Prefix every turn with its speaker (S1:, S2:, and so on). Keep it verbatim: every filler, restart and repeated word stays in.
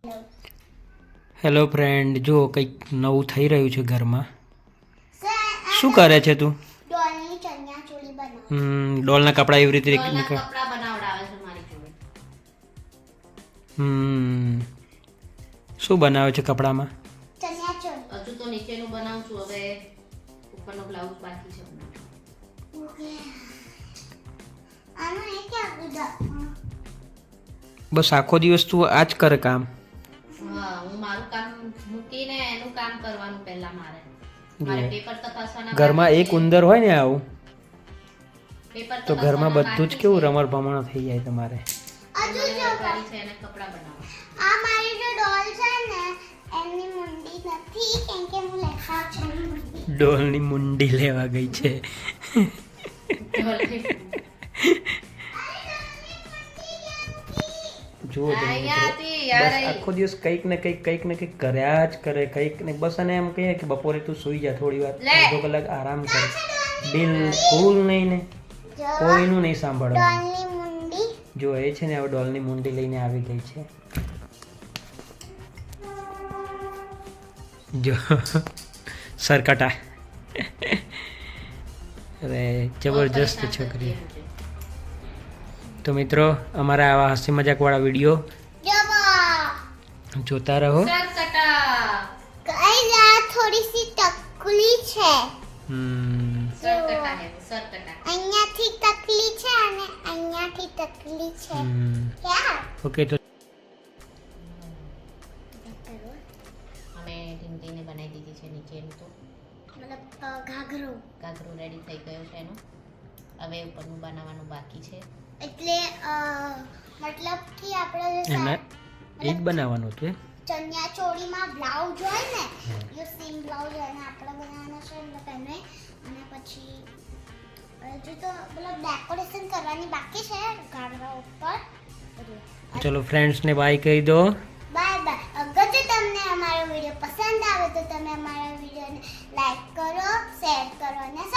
S1: Hello friend, જો કંઈક નવું થઈ રહ્યું છે ઘરમાં. શું કરે છે તું?
S2: ડોલની ચણિયા ચોળી બનાવ.
S1: હમ ડોલના કપડા એવી રીતે
S3: ડોલના કપડા બનાવડાવે છે મારી જોડે.
S1: હમ શું બનાવે છે કપડામાં?
S2: ચણિયા ચોળી.
S3: હજુ તો નીચેનું બનાવું છું, હવે ઉપરનો બ્લાઉઝ બાકી છે બનાવવાનો.
S2: ઓકે. આનો એ ક્યાં ગુડા?
S1: બસ આખો દિવસ તું આ જ કરે કામ.
S3: હા, હું મારું કામ મૂકીને એનું કામ કરવાનું પહેલા મારે. મારે પેપર તપાસવાના
S1: ઘરમાં
S3: બાકી
S1: એક
S3: છે.
S1: ઉંદર હોય ને આવું
S3: પેપર
S1: તો ઘરમાં
S3: તપાસવાના
S1: બધું જ
S3: બાકી
S1: કેવું
S3: છે.
S1: રમણ ભમણ થઈ જાય તમારે.
S2: હજુ
S3: મને
S2: જો
S3: કરી છે એને કપડા બનાવવા.
S2: આ મારી જે ડોલ છે ને એની મુંડી નથી કેમ કે હું લેખા છું એની મુંડી.
S1: ડોલની મુંડી લેવા ગઈ છે. જુઓ તમે
S3: અહીંયા
S1: મિત્રો,
S3: હતી, યાર,
S1: બસ
S3: અહીં.
S1: આખો દિવસ કંઈક ને કંઈક કંઈક ને કંઈક કર્યા જ કરે. કંઈક ને બસ અને એમ કહીએ કે બપોરે તું સૂઈ જા, થોડી વાર
S3: લે.
S1: અડધો કલાક આરામ કર. બિલકુલ નહીં ને
S2: જો
S1: કોઈનું નહીં સાંભળવાનું.
S2: ડોલની મુંડી.
S1: જો એ છે ને હવે ડોલની મુંડી લઈને આવી ગઈ છે. જો સરકટા. અરે જબરજસ્ત છોકરી. તો મિત્રો, અમારા આવા હસી મજાકવાળા વિડીયો
S2: જો
S1: જોતા રહો.
S3: સરકટા.
S2: ગાઈસ આ થોડી સી તકલી છે.
S1: હમ
S3: સરકટા હે, સરકટા.
S2: અહીંયાથી તકલી છે અને અહીંયાથી તકલી છે.
S1: હમ.
S2: ક્યાં?
S1: ઓકે તો
S3: અમે ઢીંગલીને બનાવી દીધી છે નીચેનું તો
S2: મતલબ અ, ઘાઘરો.
S3: ઘાઘરો રેડી થઈ ગયો છે એનો. હવે ઉપરનું બનાવવાનું બાકી છે.
S2: એટલે અ, મતલબ કે આપણે જે
S1: એના
S2: સા-
S1: એ જ બનાવવાનું હતું એમ?
S2: ચણિયા ચોળીમાં બ્લાઉઝ હોય ને એ સેમ બ્લાઉઝ એને આપણે બનાવવાનો છે મતલબ એને અને પછી હજુ તો મતલબ ડેકોરેશન કરવાની બાકી છે ઘાઘરા ઉપર.
S1: ચલો ફ્રેન્ડ્સને બાય કહી દો.
S2: Bye bye. અગર જો તમને અમારો વિડીયો પસંદ આવે તો તમે અમારા વિડીયોને લાઈક કરો, શેર કરો અને